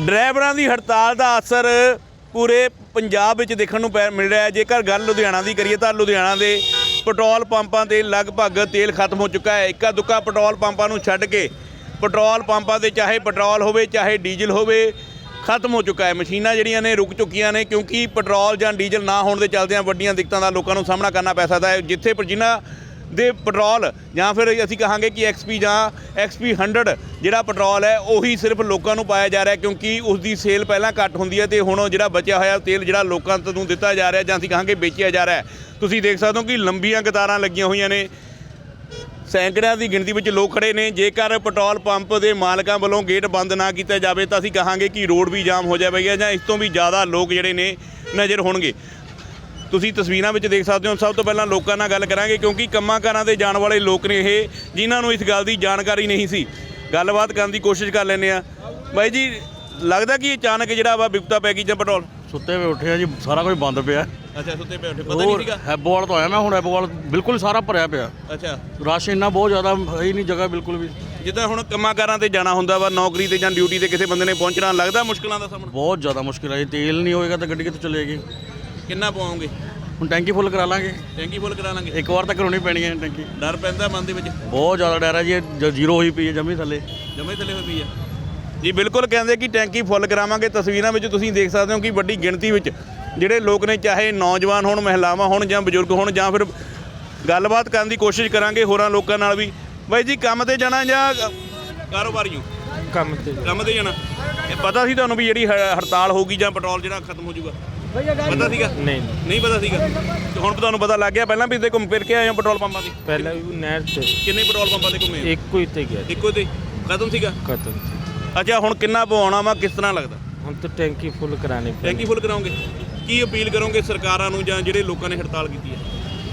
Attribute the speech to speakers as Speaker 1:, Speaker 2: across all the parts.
Speaker 1: ਡਰਾਈਵਰਾਂ ਦੀ ਹੜਤਾਲ ਦਾ ਅਸਰ ਪੂਰੇ ਪੰਜਾਬ ਵਿੱਚ ਦੇਖਣ ਨੂੰ ਮਿਲ ਰਿਹਾ ਹੈ। ਜੇਕਰ ਗੱਲ ਲੁਧਿਆਣਾ ਦੀ ਕਰੀਏ ਤਾਂ ਲੁਧਿਆਣਾ ਦੇ ਪੈਟਰੋਲ ਪੰਪਾਂ 'ਤੇ ਲਗਭਗ ਤੇਲ ਖਤਮ ਹੋ ਚੁੱਕਾ ਹੈ। ਇੱਕਾ ਦੁੱਕਾ ਪੈਟਰੋਲ ਪੰਪਾਂ ਨੂੰ ਛੱਡ ਕੇ ਪੈਟਰੋਲ ਪੰਪਾਂ 'ਤੇ ਚਾਹੇ ਪੈਟਰੋਲ ਹੋਵੇ ਚਾਹੇ ਡੀਜ਼ਲ ਹੋਵੇ ਖਤਮ ਹੋ ਚੁੱਕਾ ਹੈ। ਮਸ਼ੀਨਾਂ ਜਿਹੜੀਆਂ ਨੇ ਰੁਕ ਚੁੱਕੀਆਂ ਨੇ ਕਿਉਂਕਿ ਪੈਟਰੋਲ ਜਾਂ ਡੀਜ਼ਲ ਨਾ ਹੋਣ ਦੇ ਚੱਲਦਿਆਂ ਵੱਡੀਆਂ ਦਿੱਕਤਾਂ ਦਾ ਲੋਕਾਂ ਨੂੰ ਸਾਹਮਣਾ ਕਰਨਾ ਪੈ ਸਕਦਾ ਹੈ। ਜਿੱਥੇ ਜਿਨ੍ਹਾਂ ਦੇ ਪੈਟਰੋਲ ਜਾਂ ਫਿਰ ਅਸੀਂ ਕਹਾਂਗੇ ਕਿ XP ਜਾਂ XP 100 ਜਿਹੜਾ ਪੈਟਰੋਲ ਹੈ ਉਹੀ ਸਿਰਫ ਲੋਕਾਂ ਨੂੰ ਪਾਇਆ ਜਾ ਰਿਹਾ ਕਿਉਂਕਿ ਉਸ ਦੀ ਸੇਲ ਪਹਿਲਾਂ ਘੱਟ ਹੁੰਦੀ ਹੈ ਅਤੇ ਹੁਣ ਜਿਹੜਾ ਬਚਿਆ ਹੋਇਆ ਤੇਲ ਜਿਹੜਾ ਲੋਕਾਂ ਨੂੰ ਦਿੱਤਾ ਜਾ ਰਿਹਾ ਜਾਂ ਅਸੀਂ ਕਹਾਂਗੇ ਵੇਚਿਆ ਜਾ ਰਿਹਾ। ਤੁਸੀਂ ਦੇਖ ਸਕਦੇ ਹੋ ਕਿ ਲੰਬੀਆਂ ਕਤਾਰਾਂ ਲੱਗੀਆਂ ਹੋਈਆਂ ਨੇ, ਸੈਂਕੜਿਆਂ ਦੀ ਗਿਣਤੀ ਵਿੱਚ ਲੋਕ ਖੜ੍ਹੇ ਨੇ। ਜੇਕਰ ਪੈਟਰੋਲ ਪੰਪ ਦੇ ਮਾਲਕਾਂ ਵੱਲੋਂ ਗੇਟ ਬੰਦ ਨਾ ਕੀਤਾ ਜਾਵੇ ਤਾਂ ਅਸੀਂ ਕਹਾਂਗੇ ਕਿ ਰੋਡ ਵੀ ਜਾਮ ਹੋ ਜਾਵੇਗਾ ਜਾਂ ਇਸ ਤੋਂ ਵੀ ਜ਼ਿਆਦਾ ਲੋਕ ਜਿਹੜੇ ਨੇ ਨਜ਼ਰ ਹੋਣਗੇ। ਤੁਸੀਂ ਤਸਵੀਰਾਂ ਵਿੱਚ ਦੇਖ ਸਕਦੇ ਹੋ। ਸਭ ਤੋਂ ਪਹਿਲਾਂ ਲੋਕਾਂ ਨਾਲ ਗੱਲ ਕਰਾਂਗੇ ਕਿਉਂਕਿ ਕੰਮਾਂ ਕਾਰਾਂ 'ਤੇ ਜਾਣ ਵਾਲੇ ਲੋਕ ਨੇ ਇਹ, ਜਿਨ੍ਹਾਂ ਨੂੰ ਇਸ ਗੱਲ ਦੀ ਜਾਣਕਾਰੀ ਨਹੀਂ ਸੀ। ਗੱਲਬਾਤ ਕਰਨ ਦੀ ਕੋਸ਼ਿਸ਼ ਕਰ ਲੈਂਦੇ ਆ। ਬਾਈ ਜੀ, ਲੱਗਦਾ ਕਿ ਅਚਾਨਕ ਜਿਹੜਾ ਵਾ ਵਿਪਤਾ ਪੈ ਗਈ ਜਾਂ ਪੈਟਰੋਲ?
Speaker 2: ਸੁੱਤੇ ਵੇ ਉੱਠੇ ਆ ਜੀ, ਸਾਰਾ ਕੁਝ ਬੰਦ ਪਿਆ।
Speaker 1: ਅੱਛਾ, ਸੁੱਤੇ ਪਏ ਉੱਠੇ, ਪਤਾ ਨਹੀਂ ਸੀਗਾ।
Speaker 2: ਹੈਬੋਵਾਲ ਤੋਂ ਆਇਆ ਮੈਂ ਹੁਣ, ਹੈਬੋਵਾਲ ਬਿਲਕੁਲ ਸਾਰਾ ਭਰਿਆ ਪਿਆ।
Speaker 1: ਅੱਛਾ,
Speaker 2: ਰਸ਼ ਇੰਨਾ ਬਹੁਤ ਜ਼ਿਆਦਾ ਹੈ ਹੀ ਨਹੀਂ, ਜਗ੍ਹਾ ਬਿਲਕੁਲ ਵੀ।
Speaker 1: ਜਿੱਦਾਂ ਹੁਣ ਕੰਮਾਂ ਕਾਰਾਂ 'ਤੇ ਜਾਣਾ ਹੁੰਦਾ ਵਾ, ਨੌਕਰੀ 'ਤੇ ਜਾਂ ਡਿਊਟੀ 'ਤੇ ਕਿਸੇ ਬੰਦੇ ਨੇ ਪਹੁੰਚਣਾ, ਲੱਗਦਾ ਮੁਸ਼ਕਲਾਂ ਦਾ ਸਾਹਮਣਾ?
Speaker 2: ਬਹੁਤ ਜ਼ਿਆਦਾ ਮੁਸ਼ਕਿਲ ਹੈ ਜੀ। ਤੇਲ ਨਹੀਂ ਹੋਏਗਾ ਤਾਂ ਗੱਡੀ ਕਿੱਥੋਂ ਚੱਲੇਗੀ?
Speaker 1: ਕਿੰਨਾ ਪਾਉਂਗੇ?
Speaker 2: ਹੁਣ ਟੈਂਕੀ ਫੁੱਲ ਕਰਾ ਲਾਂਗੇ।
Speaker 1: ਟੈਂਕੀ ਫੁੱਲ ਕਰਾ ਲਾਂਗੇ?
Speaker 2: ਇੱਕ ਵਾਰ ਤਾਂ ਕਰਾਉਣੀ ਪੈਣੀ ਹੈ ਟੈਂਕੀ।
Speaker 1: ਡਰ ਪੈਂਦਾ ਮਨ ਦੇ ਵਿੱਚ?
Speaker 2: ਬਹੁਤ ਜ਼ਿਆਦਾ ਡਰ ਹੈ ਜੀ, ਜ਼ੀਰੋ ਹੋਈ ਪਈ ਹੈ ਜਮੀ ਥੱਲੇ
Speaker 1: ਹੋਈ ਪਈ ਆ ਜੀ। ਬਿਲਕੁਲ ਕਹਿੰਦੇ ਕਿ ਟੈਂਕੀ ਫੁੱਲ ਕਰਾਵਾਂਗੇ। ਤਸਵੀਰਾਂ ਵਿੱਚ ਤੁਸੀਂ ਦੇਖ ਸਕਦੇ ਹੋ ਕਿ ਵੱਡੀ ਗਿਣਤੀ ਵਿੱਚ ਜਿਹੜੇ ਲੋਕ ਨੇ, ਚਾਹੇ ਨੌਜਵਾਨ ਹੋਣ, ਮਹਿਲਾਵਾਂ ਹੋਣ ਜਾਂ ਬਜ਼ੁਰਗ ਹੋਣ, ਜਾਂ ਫਿਰ ਗੱਲਬਾਤ ਕਰਨ ਦੀ ਕੋਸ਼ਿਸ਼ ਕਰਾਂਗੇ ਹੋਰਾਂ ਲੋਕਾਂ ਨਾਲ ਵੀ। ਬਾਈ ਜੀ, ਕੰਮ 'ਤੇ ਜਾਣਾ ਜਾਂ ਕਾਰੋਬਾਰੀ ਹੋ?
Speaker 3: ਕੰਮ
Speaker 1: ਤੇ ਜਾਣਾ। ਇਹ ਪਤਾ ਸੀ ਤੁਹਾਨੂੰ ਵੀ ਜਿਹੜੀ ਹੜਤਾਲ ਹੋਊਗੀ ਜਾਂ ਪੈਟਰੋਲ ਜਿਹੜਾ ਖਤਮ ਹੋ ਜਾਊਗਾ? ਪਤਾ ਸੀਗਾ? ਨਹੀਂ ਪਤਾ ਸੀਗਾ। ਤੇ ਹੁਣ ਤੁਹਾਨੂੰ ਪਤਾ ਲੱਗ ਗਿਆ? ਪਹਿਲਾਂ ਵੀ ਇੱਥੇ ਘੁੰਮ ਫਿਰ ਕੇ ਆਏ ਹੋ ਪੈਟਰੋਲ ਪੰਪਾਂ 'ਤੇ?
Speaker 3: ਪਹਿਲਾਂ ਵੀ ਨਹਿਰ 'ਤੇ।
Speaker 1: ਕਿੰਨੇ ਪੈਟਰੋਲ ਪੰਪਾਂ 'ਤੇ ਘੁੰਮੇ?
Speaker 3: ਇੱਕੋ ਹੀ ਤੇ ਗਿਆ।
Speaker 1: ਇੱਕੋ ਤੇ ਖਤਮ ਸੀਗਾ?
Speaker 3: ਖਤਮ।
Speaker 1: ਅੱਛਾ, ਹੁਣ ਕਿੰਨਾ ਪਵਾਉਣਾ ਵਾ, ਕਿਸ ਤਰ੍ਹਾਂ ਲੱਗਦਾ?
Speaker 3: ਹੁਣ ਤਾਂ ਟੈਂਕੀ ਫੁੱਲ ਕਰਾਣੀ ਪੈਣੀ।
Speaker 1: ਟੈਂਕੀ ਫੁੱਲ ਕਰਾਓਗੇ? ਕੀ ਅਪੀਲ ਕਰੋਗੇ ਸਰਕਾਰਾਂ ਨੂੰ ਜਾਂ ਜਿਹੜੇ ਲੋਕਾਂ ਨੇ ਹੜਤਾਲ ਕੀਤੀ ਹੈ?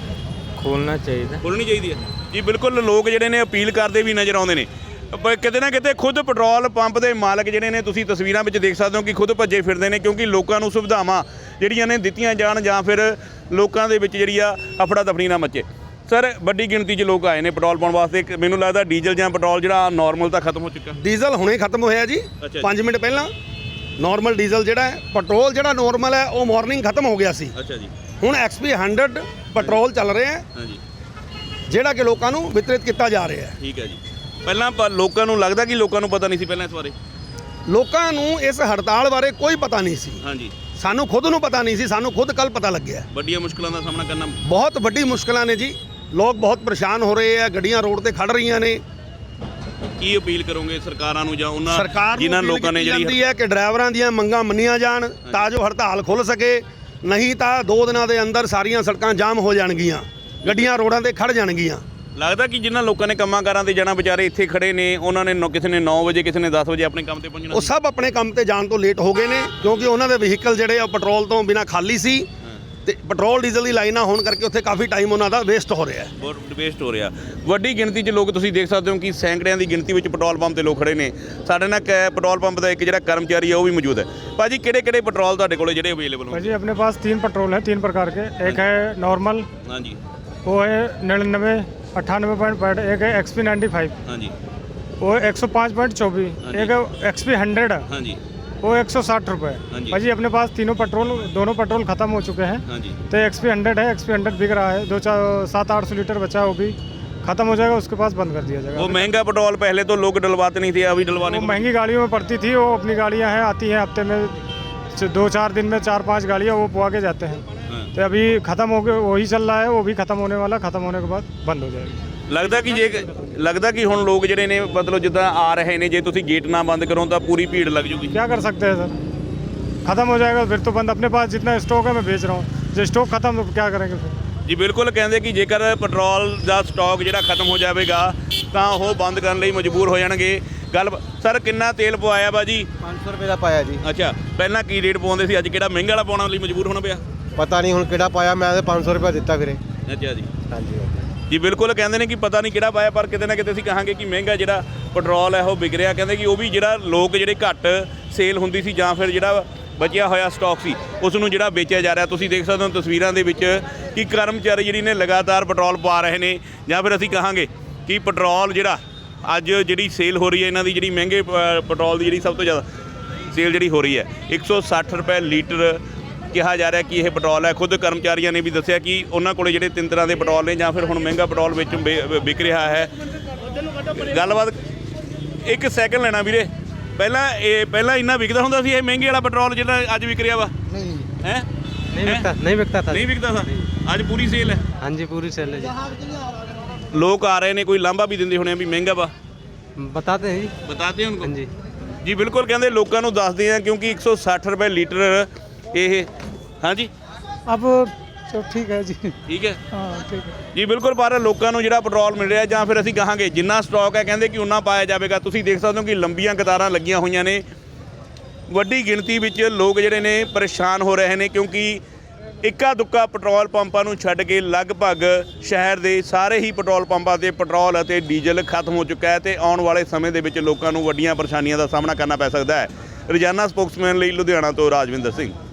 Speaker 3: ਖੋਲ੍ਹਣਾ ਚਾਹੀਦਾ।
Speaker 1: ਖੋਲ੍ਹਣੀ ਚਾਹੀਦੀ ਹੈ ਜੀ। ਬਿਲਕੁਲ, ਲੋਕ ਜਿਹੜੇ ਨੇ ਅਪੀਲ ਕਰਦੇ ਵੀ ਨਜ਼ਰ ਆਉਂਦੇ ਨੇ। ਕਿਤੇ ਨਾ ਕਿਤੇ ਖੁਦ ਪੈਟਰੋਲ ਪੰਪ ਦੇ ਮਾਲਕ ਜਿਹੜੇ ਨੇ, ਤੁਸੀਂ ਤਸਵੀਰਾਂ ਵਿੱਚ ਦੇਖ ਸਕਦੇ ਹੋ ਕਿ ਖੁਦ ਭੱਜੇ ਫਿਰਦੇ ਨੇ ਕਿਉਂਕਿ ਲੋਕਾਂ ਨੂੰ ਸੁਵਿਧਾਵਾਂ ਜਿਹੜੀਆਂ ਨੇ ਦਿੱਤੀਆਂ ਜਾਣ ਜਾਂ ਫਿਰ ਲੋਕਾਂ ਦੇ ਵਿੱਚ ਜਿਹੜੀ ਆ ਅਫੜਾ ਤਫੜੀ ਨਾ ਮੱਚੇ। ਸਰ, ਵੱਡੀ ਗਿਣਤੀ 'ਚ ਲੋਕ ਆਏ ਨੇ ਪੈਟਰੋਲ ਪਾਉਣ ਵਾਸਤੇ। ਮੈਨੂੰ ਲੱਗਦਾ ਡੀਜ਼ਲ ਜਾਂ ਪੈਟਰੋਲ ਜਿਹੜਾ ਨਾਰਮਲ ਤਾਂ ਖਤਮ ਹੋ ਚੁੱਕਾ।
Speaker 4: ਡੀਜ਼ਲ ਹੁਣੇ ਖਤਮ ਹੋਇਆ ਜੀ, 5 ਮਿੰਟ ਪਹਿਲਾਂ। ਨਾਰਮਲ ਡੀਜ਼ਲ ਜਿਹੜਾ ਹੈ, ਪੈਟਰੋਲ ਜਿਹੜਾ ਨਾਰਮਲ ਹੈ ਉਹ ਮਾਰਨਿੰਗ ਖਤਮ ਹੋ ਗਿਆ ਸੀ।
Speaker 1: ਅੱਛਾ ਜੀ।
Speaker 4: ਹੁਣ XP 100 ਪੈਟਰੋਲ ਚੱਲ ਰਿਹਾ ਹੈ,
Speaker 1: ਹਾਂਜੀ,
Speaker 4: ਜਿਹੜਾ ਕਿ ਲੋਕਾਂ ਨੂੰ ਵਿਤਰਿਤ ਕੀਤਾ ਜਾ ਰਿਹਾ ਹੈ।
Speaker 1: ਠੀਕ ਹੈ ਜੀ। ਪਹਿਲਾਂ ਲੋਕਾਂ ਨੂੰ ਲੱਗਦਾ ਕਿ ਲੋਕਾਂ ਨੂੰ ਪਤਾ ਨਹੀਂ ਸੀ ਪਹਿਲਾਂ ਇਸ ਬਾਰੇ?
Speaker 4: ਲੋਕਾਂ ਨੂੰ ਇਸ ਹੜਤਾਲ ਬਾਰੇ ਕੋਈ ਪਤਾ ਨਹੀਂ ਸੀ।
Speaker 1: ਹਾਂਜੀ,
Speaker 4: ਸਾਨੂੰ ਖੁਦ ਨੂੰ ਪਤਾ ਨਹੀਂ ਸੀ, ਸਾਨੂੰ ਖੁਦ ਕੱਲ ਪਤਾ ਲੱਗਿਆ।
Speaker 1: ਵੱਡੀਆਂ ਮੁਸ਼ਕਲਾਂ ਦਾ ਸਾਹਮਣਾ ਕਰਨਾ।
Speaker 4: ਬਹੁਤ ਵੱਡੀ ਮੁਸ਼ਕਲਾਂ ਨੇ ਜੀ, ਲੋਕ ਬਹੁਤ ਪਰੇਸ਼ਾਨ ਹੋ ਰਹੇ ਆ, ਗੱਡੀਆਂ ਰੋਡ ਤੇ ਖੜ ਰਹੀਆਂ ਨੇ।
Speaker 1: ਕੀ ਅਪੀਲ ਕਰੋਗੇ ਸਰਕਾਰਾਂ ਨੂੰ ਜਾਂ ਉਹਨਾਂ
Speaker 4: ਸਰਕਾਰ ਨੂੰ
Speaker 1: ਜਿਨ੍ਹਾਂ ਲੋਕਾਂ ਨੇ
Speaker 4: ਜਿਹੜੀ ਹੈ ਕਿ ਡਰਾਈਵਰਾਂ ਦੀਆਂ ਮੰਗਾਂ ਮੰਨੀਆਂ ਜਾਣ ਤਾਂ ਜੋ ਹੜਤਾਲ ਖੁੱਲ੍ਹ ਸਕੇ, ਨਹੀਂ ਤਾਂ 2 ਦਿਨਾਂ ਦੇ ਅੰਦਰ ਸਾਰੀਆਂ ਸੜਕਾਂ ਜਾਮ ਹੋ ਜਾਣਗੀਆਂ, ਗੱਡੀਆਂ ਰੋਡਾਂ ਤੇ ਖੜ ਜਾਣਗੀਆਂ।
Speaker 1: ਲੱਗਦਾ ਕਿ ਜਿਨ੍ਹਾਂ ਲੋਕਾਂ ਨੇ ਕੰਮਾਂ ਕਾਰਾਂ 'ਤੇ ਜਾਣਾ, ਵਿਚਾਰੇ ਇੱਥੇ ਖੜੇ ਨੇ, ਉਹਨਾਂ ਨੇ ਕਿਸੇ ਨੇ 9 ਵਜੇ, ਕਿਸੇ ਨੇ 10 ਵਜੇ ਆਪਣੇ ਕੰਮ 'ਤੇ ਪਹੁੰਚਣਾ।
Speaker 4: ਉਹ ਸਭ ਆਪਣੇ ਕੰਮ ਤੇ ਜਾਣ ਤੋਂ ਲੇਟ ਹੋ ਗਏ ਨੇ ਕਿਉਂਕਿ ਉਹਨਾਂ ਦੇ ਵਹੀਕਲ ਜਿਹੜੇ ਆ ਪੈਟਰੋਲ ਤੋਂ ਬਿਨਾਂ ਖਾਲੀ ਸੀ ਤੇ ਪੈਟਰੋਲ ਡੀਜ਼ਲ ਦੀ ਲਾਈਨਾਂ ਹੋਣ ਕਰਕੇ ਉੱਥੇ ਕਾਫੀ ਟਾਈਮ ਉਹਨਾਂ ਦਾ ਵੇਸਟ ਹੋ ਰਿਹਾ ਹੈ।
Speaker 1: ਬਹੁਤ ਵੇਸਟ ਹੋ ਰਿਹਾ। ਵੱਡੀ ਗਿਣਤੀ 'ਚ ਲੋਕ ਤੁਸੀਂ ਦੇਖ ਸਕਦੇ ਹੋ ਕਿ ਸੈਂਕੜਿਆਂ ਦੀ ਗਿਣਤੀ ਵਿੱਚ ਪੈਟਰੋਲ ਪੰਪ 'ਤੇ ਲੋਕ ਖੜੇ ਨੇ। ਸਾਡੇ ਨਾਲ ਪੈਟਰੋਲ ਪੰਪ ਦਾ ਇੱਕ ਜਿਹੜਾ ਕਰਮਚਾਰੀ ਹੈ ਉਹ ਵੀ ਮੌਜੂਦ ਹੈ। ਭਾਜੀ, ਕਿਹੜੇ ਪੈਟਰੋਲ ਤੁਹਾਡੇ ਕੋਲ ਜਿਹੜੇ ਅਵੇਲੇਬਲ ਹੋ?
Speaker 5: भाई अपने पास 3 पेट्रोल है, 3 प्रकार के। एक है नॉर्मल,
Speaker 1: ਹਾਂਜੀ,
Speaker 5: वो है 99, 98.5। एक है XP 95,
Speaker 1: ਹਾਂਜੀ,
Speaker 5: वो 105.24। एक है XP 100,
Speaker 1: ਹਾਂਜੀ,
Speaker 5: वो 160 रुपये।
Speaker 1: हाँ जी।
Speaker 5: भाजी अपने पास दोनों पेट्रोल ख़त्म हो चुके हैं।
Speaker 1: ਹਾਂਜੀ।
Speaker 5: तो XP 100 है, XP 100 बिक रहा है। 700-800 लीटर बचा है, वो भी ख़त्म हो जाएगा, उसके पास बंद कर दिया जाएगा।
Speaker 1: वो महंगा पेट्रोल पहले तो लोग डलवाते नहीं थे, अभी डलवाने
Speaker 5: वो महंगी गाड़ियों में पड़ती थी, वो अपनी गाड़ियाँ हैं, आती हैं हफ्ते में 2-4 दिन में 4-5 गाड़ियाँ वो पुआ के जाते हैं। तो अभी ख़त्म हो गए, वही चल रहा है, वो भी ख़त्म होने वाला। ख़त्म होने के बाद बंद हो जाएगी।
Speaker 1: लगता कि ਹੁਣ ਲੋਕ ਜਿਹੜੇ ਨੇ ਮਤਲਬ ਜਿੱਦਾਂ ਆ ਰਹੇ ਨੇ, ਜੇ ਤੁਸੀਂ ਗੇਟ ਨਾ ਬੰਦ ਕਰੋ ਤਾਂ ਪੂਰੀ ਭੀੜ ਲੱਗ ਜੂਗੀ।
Speaker 5: क्या कर सकते हैं सर, ख़त्म हो जाएगा फिर तो बंद। अपने पास जितना स्टॉक है मैं बेच रहा हूँ, जो स्टॉक ख़त्म तो क्या करेंगे फिर?
Speaker 1: ਜੀ ਬਿਲकुल, ਕਹਿੰਦੇ ਕਿ ਜੇਕਰ ਪੈਟਰੋਲ ਦਾ ਸਟਾਕ ਜਿਹੜਾ ਖਤਮ ਹੋ ਜਾਵੇਗਾ ਤਾਂ ਉਹ ਬੰਦ ਕਰਨ ਲਈ ਮਜਬੂਰ ਹੋ ਜਾਣਗੇ। ਗੱਲ ਸਰ, ਕਿੰਨਾ ਤੇਲ ਪਵਾਇਆ ਬਾਜੀ?
Speaker 6: 500 ਰੁਪਏ ਦਾ ਪਾਇਆ ਜੀ।
Speaker 1: ਅੱਛਾ, ਪਹਿਲਾਂ ਕੀ ਰੇਟ ਪਵਾਉਂਦੇ ਸੀ, ਅੱਜ ਕਿਹੜਾ ਮਹਿੰਗਾ ਵਾਲਾ ਪਾਉਣ ਲਈ ਮਜਬੂਰ ਹੋਣਾ ਪਿਆ?
Speaker 6: ਪਤਾ ਨਹੀਂ ਹੁਣ ਕਿਹੜਾ ਪਾਇਆ, ਮੈਂ ਤਾਂ 500 ਰੁਪਏ ਦਿੱਤਾ ਵੀਰੇ।
Speaker 1: ਅੱਛਾ ਜੀ।
Speaker 6: ਹਾਂਜੀ
Speaker 1: ਜੀ ਬਿਲकुल, ਕਹਿੰਦੇ ਨੇ ਕਿ ਪਤਾ ਨਹੀਂ ਕਿਹੜਾ ਪਾਇਆ, ਪਰ ਕਿਤੇ ਨਾ ਕਿਤੇ ਅਸੀਂ ਕਹਾਂਗੇ ਕਿ ਮਹਿੰਗਾ ਜਿਹੜਾ ਪੈਟਰੋਲ ਹੈ ਉਹ ਵਿਕ ਰਿਹਾ। ਕਹਿੰਦੇ ਕਿ ਉਹ ਵੀ ਜਿਹੜਾ ਲੋਕ ਜਿਹੜੇ ਘੱਟ ਸੇਲ ਹੁੰਦੀ ਸੀ ਜਾਂ ਫਿਰ ਜਿਹੜਾ ਬਚਿਆ ਹੋਇਆ ਸਟਾਕ ਸੀ ਉਸ ਨੂੰ ਜਿਹੜਾ ਵੇਚਿਆ ਜਾ ਰਿਹਾ। ਤੁਸੀਂ ਦੇਖ ਸਕਦੇ ਹੋ ਤਸਵੀਰਾਂ ਦੇ ਵਿੱਚ ਕਿ ਕਰਮਚਾਰੀ ਜਿਹੜੀ ਨੇ ਲਗਾਤਾਰ ਪੈਟਰੋਲ ਪਾ ਰਹੇ ਨੇ, ਜਾਂ ਫਿਰ ਅਸੀਂ ਕਹਾਂਗੇ ਕਿ ਪੈਟਰੋਲ ਜਿਹੜਾ ਅੱਜ ਜਿਹੜੀ ਸੇਲ ਹੋ ਰਹੀ ਹੈ ਇਹਨਾਂ ਦੀ, ਜਿਹੜੀ ਮਹਿੰਗੇ ਪੈਟਰੋਲ ਦੀ ਜਿਹੜੀ ਸਭ ਤੋਂ ਜ਼ਿਆਦਾ ਸੇਲ ਜਿਹੜੀ ਹੋ ਰਹੀ ਹੈ 160 ਰੁਪਏ ਲੀਟਰ ਕਿਹਾ ਜਾ ਰਿਹਾ ਕਿ ਇਹ ਪੈਟਰੋਲ ਹੈ। ਖੁਦ ਕਰਮਚਾਰੀਆਂ ਨੇ ਵੀ ਦੱਸਿਆ ਕਿ ਉਹਨਾਂ ਕੋਲੇ ਜਿਹੜੇ 3 ਤਰ੍ਹਾਂ ਦੇ ਪੈਟਰੋਲ ਨੇ ਜਾਂ ਫਿਰ ਹੁਣ ਮਹਿੰਗਾ ਪੈਟਰੋਲ ਵਿੱਚ ਵਿਕ ਰਿਹਾ ਹੈ। ਗੱਲਬਾਤ ਇੱਕ ਸੈਕਿੰਡ ਲੈਣਾ ਵੀਰੇ, ਪਹਿਲਾਂ ਇੰਨਾ ਵਿਕਦਾ ਹੁੰਦਾ ਸੀ ਇਹ ਮਹਿੰਗੇ ਵਾਲਾ ਪੈਟਰੋਲ ਜਿਹੜਾ ਅੱਜ ਵਿਕ ਰਿਹਾ ਵਾ?
Speaker 6: नहीं
Speaker 1: ਹੈ
Speaker 6: नहीं बिकता था
Speaker 1: ਨਹੀਂ ਵਿਕਦਾ ਸੀ, ਅੱਜ ਪੂਰੀ ਸੇਲ ਹੈ।
Speaker 6: हाँ जी पूरी सेल है जी
Speaker 1: ਲੋਕ ਆ ਰਹੇ ਨੇ, ਕੋਈ ਲਾਂਭਾ ਵੀ ਦਿੰਦੇ ਹੋਣੇ ਆ ਵੀ ਮਹਿੰਗਾ ਵਾ,
Speaker 6: बताते हैं जी
Speaker 1: ਬਤਾਤੇ ਉनको?
Speaker 6: हाँ जी
Speaker 1: ਜੀ ਬਿਲਕੁਲ, ਕਹਿੰਦੇ ਲੋਕਾਂ ਨੂੰ ਦੱਸਦੇ ਆ ਕਿਉਂਕਿ 160 ਰੁਪਏ ਲੀਟਰ ਇਹ। ਹਾਂਜੀ
Speaker 5: अब तो ठीक है जी।
Speaker 1: ਠੀਕ ਹੈ
Speaker 5: हाँ ठीक है।
Speaker 1: ਜੀ ਬਿਲਕੁਲ, ਪਰ ਲੋਕਾਂ ਨੂੰ ਜਿਹੜਾ ਪੈਟਰੋਲ ਮਿਲ ਰਿਹਾ ਜਾਂ ਫਿਰ ਅਸੀਂ ਕਹਾਂਗੇ ਜਿੰਨਾ ਸਟਾਕ ਹੈ ਕਹਿੰਦੇ ਕਿ ਉਨਾ ਪਾਇਆ ਜਾਵੇਗਾ। ਤੁਸੀਂ ਦੇਖ ਸਕਦੇ ਹੋ ਕਿ ਲੰਬੀਆਂ ਕਤਾਰਾਂ ਲੱਗੀਆਂ ਹੋਈਆਂ ਨੇ, ਵੱਡੀ ਗਿਣਤੀ ਵਿੱਚ ਲੋਕ ਜਿਹੜੇ ਨੇ ਪਰੇਸ਼ਾਨ ਹੋ ਰਹੇ ਨੇ ਕਿਉਂਕਿ ਇੱਕਾ ਦੁੱਕਾ ਪੈਟਰੋਲ ਪੰਪਾਂ ਨੂੰ ਛੱਡ ਕੇ ਲਗਭਗ ਸ਼ਹਿਰ ਦੇ ਸਾਰੇ ਹੀ ਪੈਟਰੋਲ ਪੰਪਾਂ 'ਤੇ ਪੈਟਰੋਲ ਅਤੇ ਡੀਜ਼ਲ ਖਤਮ ਹੋ ਚੁੱਕਾ ਹੈ ਤੇ ਆਉਣ ਵਾਲੇ ਸਮੇਂ ਦੇ ਵਿੱਚ ਲੋਕਾਂ ਨੂੰ ਵੱਡੀਆਂ ਪਰੇਸ਼ਾਨੀਆਂ ਦਾ ਸਾਹਮਣਾ ਕਰਨਾ ਪੈ ਸਕਦਾ ਹੈ। ਰੋਜ਼ਾਨਾ ਸਪੋਕਸਮੈਨ ਲਈ ਲੁਧਿਆਣਾ ਤੋਂ ਰਾਜਵਿੰਦਰ ਸਿੰਘ।